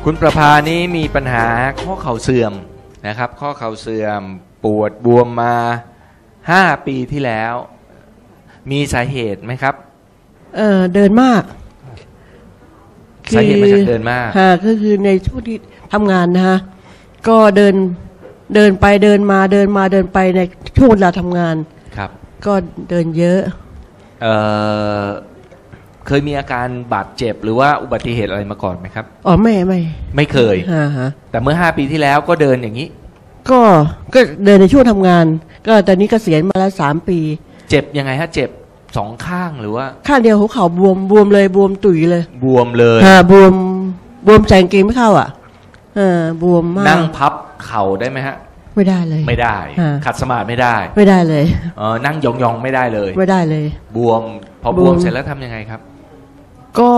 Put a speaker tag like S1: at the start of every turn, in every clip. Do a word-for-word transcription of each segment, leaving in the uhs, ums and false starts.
S1: คุณประภานี้มีปัญหาข้อเข่าเสื่อมนะครับข้อเข่าเสื่อมปวดบวมมาห้าปีที่แล้วมีสาเหตุไหมครับ
S2: เออเดินมาก
S1: สาเหตุมาจากเดินมาก
S2: ค่ะก็คือในช่วงที่ทำงานนะฮะก็เดินเดินไปเดินมาเดินมาเดินไปในช่วงเวลาทำงานครับก็เดินเยอะเออ
S1: เคยมีอาการบาดเจ็บหรือว่าอุบัติเหตุอะไรมาก่อนไหมครับ
S2: อ๋อไม่ไม่
S1: ไม่เคย
S2: ฮะ
S1: แต่เมื่อห้าปีที่แล้วก็เดินอย่างนี้
S2: ก็ก็เดินในช่วงทำงานก็ตอนนี้เกษียณมาแล้วสามปี
S1: เจ็บยังไงฮะเจ็บสองข้างหรือว่า
S2: ข้างเดียวหัวเข่าบวมบวมเลยบวมตุ๋ยเลย
S1: บวมเลย
S2: ฮะบวมบวมใจกางเกงไม่เข้าอ่ะเออบวมมาก
S1: นั่งพับเข่าได้ไหมฮะ
S2: ไม่ได้เลย
S1: ไม่ได้ขัดสมาธิไม่ได้
S2: ไม่ได้เลย
S1: เออนั่งยองๆไม่ได้เลย
S2: ไม่ได้เลย
S1: บวมพอบวมเสร็จแล้วทำยังไงครับ
S2: ก็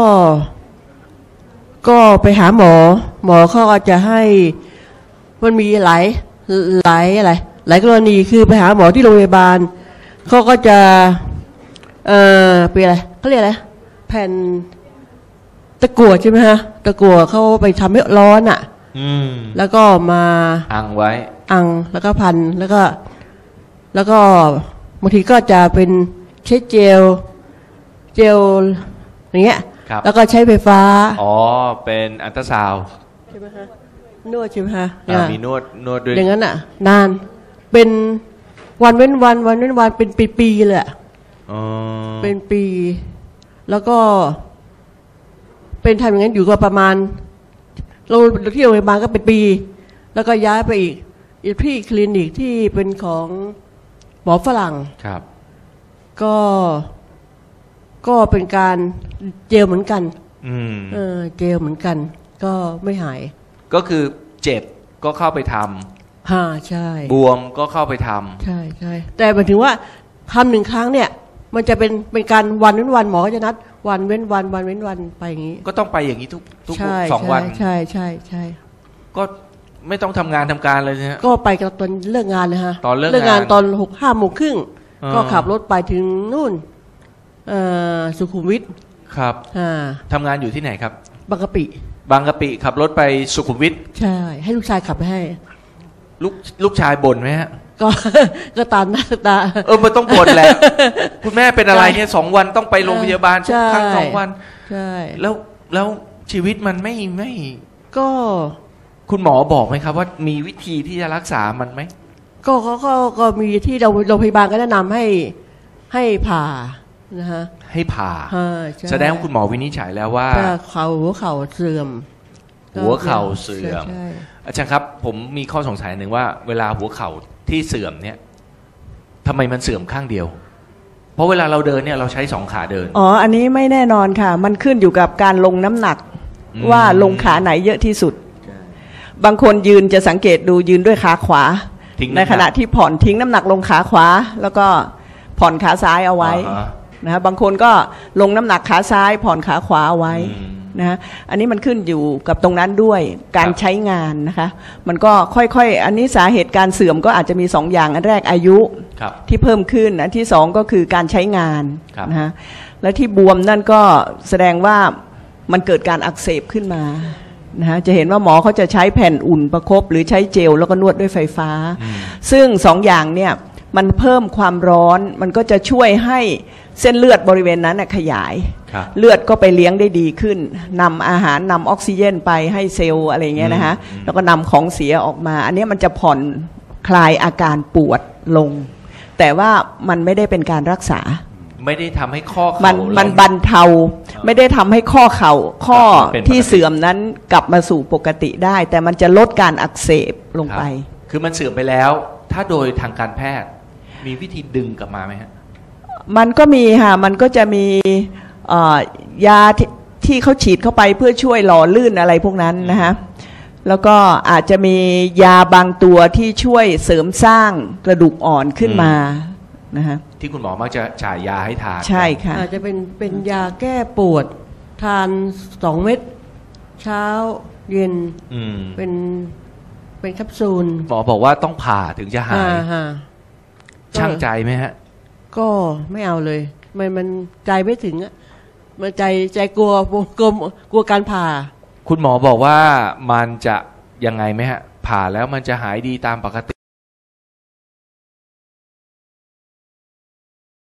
S2: ก็ไปหาหมอหมอเขาก็จะให้มันมีหลายหลายอะไรหลายกรณีคือไปหาหมอที่โรงพยาบาลเขาก็จะเอ่อเป็นอะไรเขาเรียกอะไรแผ่นตะกั่วใช่ไหมฮะตะกั่วเขาไปทำให้ร้อนอ่ะแล้วก็มา
S1: อังไว้
S2: อังแล้วก็พันแล้วก็แล้วก็บางทีก็จะเป็นใช้เจลเจลอย่างเงี้ยแล้วก็ใช้ไฟฟ้า
S1: อ๋อเป็นอัลตราซาวด์
S2: ใช่ไหมคะนวดใช่ไหมคะ
S1: มีนวดนวดด้วย
S2: อย่างนั้นอ่ะนานเป็นวันเว้นวันวันเว้นวันเป็นปีๆเลยอ๋อเป็นปีแล้วก็เป็นทำอย่างนั้นอยู่ก็ประมาณเราที่โรงพยาบาลก็เป็นปีแล้วก็ย้ายไปอีกอีกที่คลินิกที่เป็นของหมอฝรั่งครับก็ก็เป็นการเจลเหมือนกันเออเจลเหมือนกันก็ไม่หาย
S1: ก็คือเจ็บก็เข้าไปท
S2: ำฮ่าใช่
S1: บวมก็เข้าไปทำ
S2: ใช่ใช่แต่หมายถึงว่าทำหนึ่งครั้งเนี่ยมันจะเป็นเป็นการวันเว้นวันหมอก็จะนัดวันเว้นวันวันเว้นวันไปอย่างนี้
S1: ก็ต้องไปอย่างนี้ทุกทุกสองวัน
S2: ใช่ใช่ใช่
S1: ก็ไม่ต้องทำงานทำการเลยนะฮะ
S2: ก็ไปกับตอนเลิกงานนะฮะ
S1: ตอนเลิก
S2: งานตอนหกห้าโมงครึ่งก็ขับรถไปถึงนู่นสุขุมวิท
S1: ครับทำงานอยู่ที่ไหนครับ
S2: บางกะปิ
S1: บางกะปิขับรถไปสุขุมวิท
S2: ใช่ให้ลูกชายขับไปให้
S1: ลูกลูกชายบ่นไหมฮะ
S2: ก็ก็ตามหน้าตา
S1: เออมันต้องบ่นแหละคุณแม่เป็นอะไรเนี่ยสองวันต้องไปโรงพยาบาลทุกครั้งสองวัน
S2: ใช่
S1: แล้วแล้วชีวิตมันไม่ไม่
S2: ก็
S1: คุณหมอบอกไหมครับว่ามีวิธีที่จะรักษามันไหม
S2: ก็เขาก็ก็มีที่เราโรงพยาบาลก็แนะนำให้ให้ผ่านะฮะ
S1: ให้ผ่าแสดงว่าคุณหมอวินิจฉัยแล้วว่า
S2: เข่าหัวเข่าเสื่อม
S1: หัวเข่าเสื่อมอาจารย์ครับผมมีข้อสงสัยหนึ่งว่าเวลาหัวเข่าที่เสื่อมเนี่ยทำไมมันเสื่อมข้างเดียวเพราะเวลาเราเดินเนี่ยเราใช้สองขาเดิน
S3: อ๋ออันนี้ไม่แน่นอนค่ะมันขึ้นอยู่กับการลงน้ำหนักว่าลงขาไหนเยอะที่สุดบางคนยืนจะสังเกตดูยืนด้วยขาขวาในขณะที่ผ่อนทิ้งน้ำหนักลงขาขวาแล้วก็ผ่อนขาซ้ายเอาไว้นะฮะบางคนก็ลงน้ำหนักขาซ้ายผ่อนขาขวาเอาไว้นะฮะอันนี้มันขึ้นอยู่กับตรงนั้นด้วยการใช้งานนะคะมันก็ค่อยๆอันนี้สาเหตุการเสื่อมก็อาจจะมีสองอย่างอันแรกอายุที่เพิ่มขึ้นอันที่สองก็คือการใช้งานนะฮะและที่บวมนั่นก็แสดงว่ามันเกิดการอักเสบขึ้นมานะฮะจะเห็นว่าหมอเขาจะใช้แผ่นอุ่นประคบหรือใช้เจลแล้วก็นวดด้วยไฟฟ้าซึ่งสองอย่างเนี่ยมันเพิ่มความร้อนมันก็จะช่วยให้เส้นเลือดบริเวณนั้นขยายเลือดก็ไปเลี้ยงได้ดีขึ้นนำอาหารนำออกซิเจนไปให้เซลล์อะไรเงี้ยนะฮะแล้วก็นำของเสียออกมาอันนี้มันจะผ่อนคลายอาการปวดลงแต่ว่ามันไม่ได้เป็นการรักษา
S1: ไม่ได้ทำให้ข้อเข่า
S3: มันมันบรรเทาไม่ได้ทำให้ข้อเข่าข้อที่เสื่อมนั้นกลับมาสู่ปกติได้แต่มันจะลดการอักเสบลงไป
S1: คือมันเสื่อมไปแล้วถ้าโดยทางการแพทย์มีวิธีดึงกลับมาไหมฮะ
S3: มันก็มีค่ะมันก็จะมียาที่เขาฉีดเข้าไปเพื่อช่วยหล่อลื่นอะไรพวกนั้นนะฮะแล้วก็อาจจะมียาบางตัวที่ช่วยเสริมสร้างกระดูกอ่อนขึ้นมานะฮะ
S1: ที่คุณหมอมักจะจ่ายยาให้ทาน
S3: ใช่ค่ะ
S2: อาจจะเป็นเป็นยาแก้ปวดทานสองเม็ดเช้าเย็นเป็นเป็นแคปซูล
S1: หมอบอกว่าต้องผ่าถึงจะหายช่างใจไหมฮะ
S2: ก็ไม่เอาเลยมันมันใจไม่ถึงอะมันใจใจกลัวกลัวกลัวการผ่า
S1: คุณหมอบอกว่ามันจะยังไงไหมฮะผ่าแล้วมันจะหายดีตามปกติ